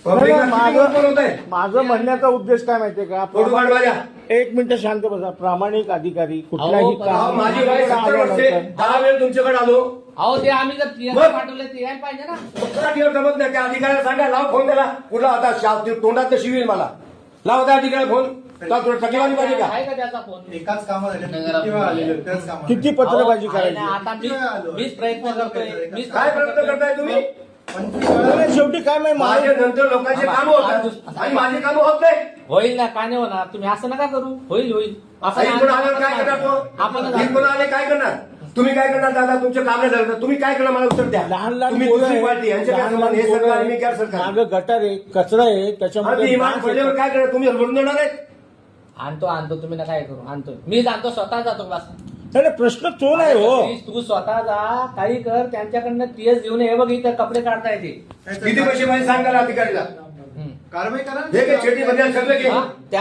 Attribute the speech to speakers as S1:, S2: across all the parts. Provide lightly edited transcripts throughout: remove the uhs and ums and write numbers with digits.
S1: माझं म्हणण्याचा उद्देश काय माहितीये का, एक मिनिट शांत बसा. प्रामाणिक अधिकारी कुठलाही काम
S2: माझी वय 70 वर्षे 10 वेळ तुमच्याकडे आलो.
S3: अहो ते आम्ही जर टीएस पाठवले ते यायला पाहिजे ना.
S2: जमत नाही. त्या अधिकाऱ्याला सांगा, लाव फोन त्याला. कुठला आता तोंडात शिवील मला. लाव त्या अधिकाऱ्याला फोन. टकेवारी पाहिजे का?
S3: आहे का त्याचा फोन?
S4: एकाच कामात
S1: किती पत्रबाजी करायची?
S3: आता मीच प्रयत्न करतोय.
S2: काय प्रयत्न करताय तुम्ही?
S1: शेवटी काय माहिती,
S2: माझ्या नंतर लोकांचे काम होतात आणि माझे काम होत नाही.
S3: होईल ना, का नाही होणार? तुम्ही असं नका करू. होईल होईल असं
S2: इकडून आल्यावर काय करणार तो?
S3: आपण
S2: इकडून आले काय करणार? तुम्ही काय करणार दादा? तुमचं काम नाही झालं तर तुम्ही काय करणार? मला उत्तर द्या.
S1: लहान लहान
S2: तुम्ही दुसरी पार्टी, यांच्या काय संबंध? हे सरकार मी काय सरकार?
S1: मागं गटार आहे, कचरा आहे, त्याच्यामध्ये
S2: इमान पडल्यावर काय करणार? तुम्ही हलवून देणार आहेत?
S3: आणतो तुम्ही नका हे करू. आणतो मी, जातो स्वतः जातो बस.
S1: नाही, प्रश्न तो नाही हो.
S3: तू स्वतः जा, काही कर, त्यांच्याकडनं टीएस घेऊन ये. बघ इथं कपडे काढता येते.
S2: किती पैसे पाहिजे सांगा ना अधिकारीला.
S4: कारवाई करा.
S2: हे काय छेटी मध्ये सगळं घे.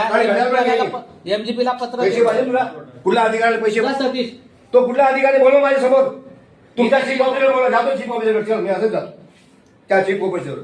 S3: एमजीपीला पत्र
S2: पैसे पाहिजे तुला? कुठल्या अधिकाऱ्याला पैसे?
S3: सतीश
S2: तो कुठला अधिकारी बोलव माझ्या समोर. तुमचा चीफ ऑफिसर बोला. जातो चीफ ऑफिसर. चल मी असंच जातो त्या चीफ ऑफिसर.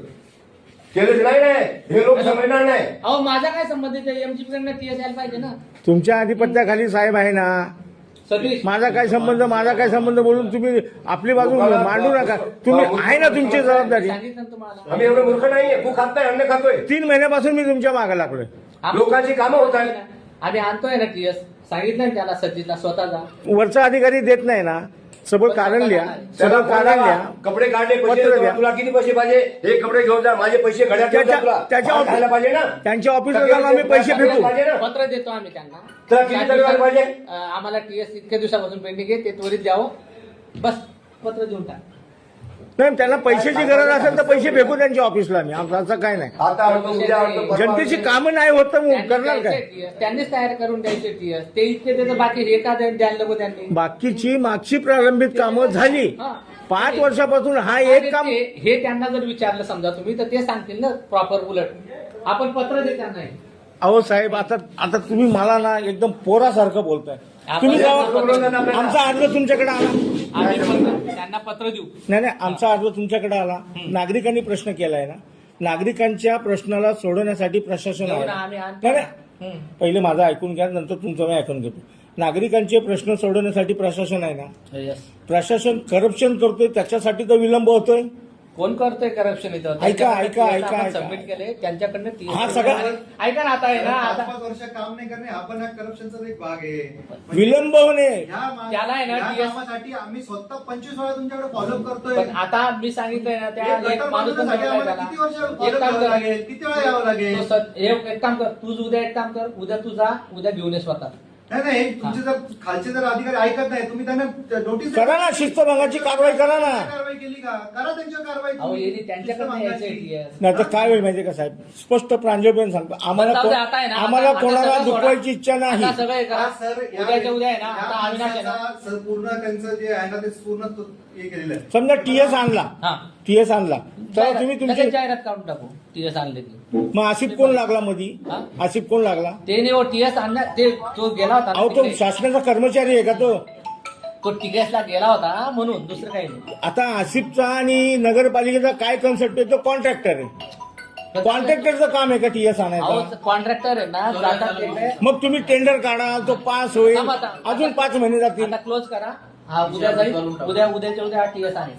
S2: केलं नाही हे लोक समजणार नाही.
S3: अहो माझा काय संबंध आहे? एमजीपी कडनं टीएस यायला पाहिजे ना.
S1: तुमच्या आधिपत्याखाली साहेब आहे ना.
S3: सतीश
S1: माझा काय संबंध बोलून तुम्ही आपली बाजू मांडू नका. तुम्ही आहे ना तुमची जबाबदारी.
S3: सांगितलं तुम्हाला.
S2: आम्ही एवढं मूर्ख नाहीये. तू खात नाही, अन्न खातोय.
S1: 3 महिन्यापासून मी तुमच्या मागे लागलोय.
S2: लोकांची कामं होत आहेत.
S3: आम्ही आणतोय ना टीएस. सांगितलं ना त्याला, सतीशला स्वतः जा.
S1: वरचा अधिकारी देत नाही ना. सगळं कारण लिहा, सगळं कारण लिहा.
S2: कपडे काढले, पैसे
S1: पत्र द्या.
S2: तुला किती पैसे पाहिजे? हे कपडे घेऊन जा. माझे पैसे घड्यात ठेवून जा तुला.
S1: त्याच्या
S2: खायला पाहिजे ना.
S1: त्यांच्या ऑफिसला जाऊन आम्ही पैसे फेकू.
S2: पाहिजे ना.
S3: पत्र देतो आम्ही त्यांना.
S2: तुला किती तक्रार पाहिजे?
S3: आम्हाला टीएस इतक्या दिवसापासून पेंडिंग आहे, ते त्वरित द्यावं. बस पत्र देऊन टाक.
S1: नाही, त्यांना पैशाची गरज असेल तर पैसे फेकू त्यांच्या ऑफिसला. मी असं काय नाही.
S2: आता आणतो, उद्या आणतो, परवा
S1: जनतेची
S2: आणतो.
S1: कामं नाही होत तर
S3: त्यांनी
S1: करणार काय?
S3: द्यायचे TS, त्यांनीच तयार करून द्यायचे टीएस. ते इतके त्याचं बाकी हे का द्यायला नको त्यांनी?
S1: बाकीची मागची प्रारंभिक कामं झाली.
S3: हा.
S1: 5 वर्षापासून हा एक काम.
S3: हे त्यांना जर विचारलं समजा तुम्ही, तर ते सांगतील ना प्रॉपर. उलट आपण पत्र दे त्यांना.
S1: अहो साहेब, आता तुम्ही मला ना एकदम पोरासारखं बोलताय. तुम्ही जेव्हा आमचा अर्ज तुमच्याकडे आला,
S3: आम्ही त्यांना पत्र देऊ.
S1: नाही आमचा अर्ज तुमच्याकडे आला. नागरिकांनी प्रश्न केलाय ना. नागरिकांच्या प्रश्नाला सोडवण्यासाठी प्रशासन आहे.
S3: आम्ही आणतो.
S1: नाही, पहिले माझं ऐकून घ्या, नंतर तुमचं मी ऐकून घेतो. नागरिकांचे प्रश्न सोडवण्यासाठी प्रशासन आहे ना. प्रशासन करप्शन करतोय, त्याच्यासाठी तर विलंब होतोय.
S3: कोण करतोय करप्शन इथं?
S1: ऐका.
S3: सबमिट केले त्यांच्याकडनं
S1: हा सगळा
S3: ऐका ना. आता आहे ना, आता
S4: 5 वर्ष काम नाही करणे हा पण करप्शनचा एक भाग आहे.
S1: विलंब होणे.
S3: त्याला आहे ना,
S4: या कामासाठी आम्ही स्वतः 25 वेळा तुमच्याकडे फॉलोअप करतोय.
S3: पण आता मी सांगितलंय ना, त्या
S4: एक
S3: एक
S4: गटर
S3: माणूस पण
S4: बांधण्यासाठी
S3: भेटलाय
S4: आम्हाला
S3: त्याला.
S4: किती वर्ष
S3: एक
S4: follow
S3: काम
S4: करावं
S3: कर.
S4: लागेल? किती वेळा यावं लागेल?
S3: एक काम कर, तू उद्या एक काम कर. उद्या तू जा, उद्या घेऊन ये स्वतः.
S4: नाही तुमचे जर खालचे जर अधिकारी ऐकत नाही, तुम्ही त्यांना नोटीस
S1: करा ना, शिस्तभंगाची कारवाई करा ना.
S4: कारवाई केली का? करा त्यांच्यावर कारवाई.
S3: अहो येणे त्यांच्याकडनं यायचंय TS.
S1: नाही तर काय वेळ माहितीये का साहेब, स्पष्ट प्रांजळपणे सांगतो,
S3: पण जाऊ दे, आता आहे ना,
S1: आम्हाला
S3: आता
S1: कोणाला
S3: सगळं सोडा.
S1: दुखवायची इच्छा नाही.
S3: आता सगळं हे करा.
S4: सर
S3: उद्याच्या उद्या आहे ना, आता अविनाश आहे ना.
S4: पूर्ण त्यांचं जे आहे ना ते पूर्ण हे केलेलं आहे.
S1: समजा टीएस आणला,
S3: हा.
S1: टीएस आणला तर तुम्ही तुमची
S3: लगेच जाहिरात काढून टाकू. टीएस आणले की.
S1: मग आसिफ कोण लागला मधी?
S3: हा?
S1: आसिफ कोण लागला?
S3: ते नाही हो, टीएस आणला ते, तो गेला होता ना
S1: अहो तो
S3: तिकडे.
S1: शासनाचा कर्मचारी आहे का तो?
S3: तो टीएसला गेला होता म्हणून, दुसरं काही नाही.
S1: आता आसिफचा आणि नगरपालिकेचा काय कन्सेप्ट आहे? तो कॉन्ट्रॅक्टर आहे. कॉन्ट्रॅक्टरचं काम आहे का टीएस आणायचं?
S3: कॉन्ट्रॅक्टर आहे ना, जातात तिकडे.
S1: मग तुम्ही टेंडर काढा, तो पास होईल,
S3: थांबा, थांबा.
S1: अजून 5 महिने जातील.
S3: आता क्लोज करा. हा उद्या जाईल. उद्याच्या उद्या हा टीएस आहे.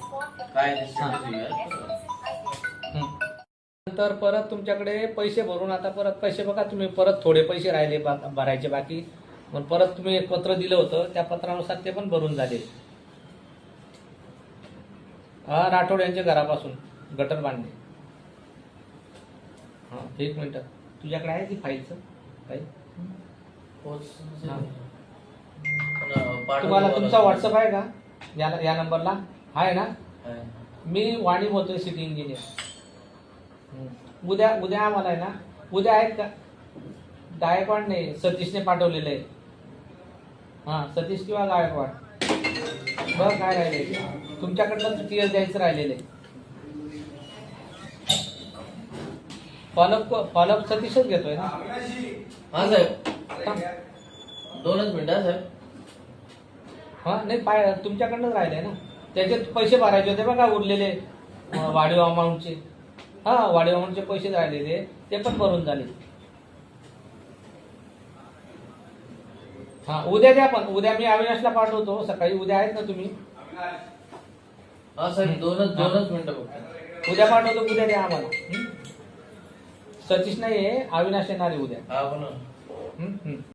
S3: नंतर परत तुमच्याकडे पैसे भरून, आता परत पैसे बघा तुम्ही, परत थोडे पैसे राहिले भरायचे बाकी. मग परत तुम्ही एक पत्र दिलं होतं, त्या पत्रानुसार ते पण भरून झाले. हा, राठोड यांच्या घरापासून गटर बांधणे. हा, 1 मिनिट. तुझ्याकडे आहे ती फाईलचं काही? तुम्हाला तुमचा व्हॉट्सअप आहे का या नंबरला? आहे ना. मी वाणी बोलतोय, सिटी इंजिनियर. उद्या आम्हाला आहे ना, उद्या आहेत का? गायकवाड नाही, सतीशने पाठवलेलं आहे. हा, सतीश किंवा गायकवाड. बरं काय राहिले तुमच्याकडनं? टीएस द्यायचं राहिलेलं आहे. फॉलोअप सतीशच घेतोय ना?
S5: हा साहेब, 2च मिनिटं साहेब.
S3: हा नाही, तुमच्याकडनंच राहिले ना. त्याचे पैसे भरायचे होते बघा, उरलेले वाढीव अमाऊंटचे. हा वाढीवाहूनचे पैसे राहिलेले ते पण भरून झाले. हा उद्या द्या, पण उद्या मी अविनाशला पाठवतो सकाळी. उद्या आहेत ना तुम्ही?
S5: हा साहेब दोनच मिनिटं फक्त.
S3: उद्या पाठवतो, उद्या द्या आम्हाला. सतीश नाही आहे, अविनाश येणार आहे उद्या.
S5: हा पण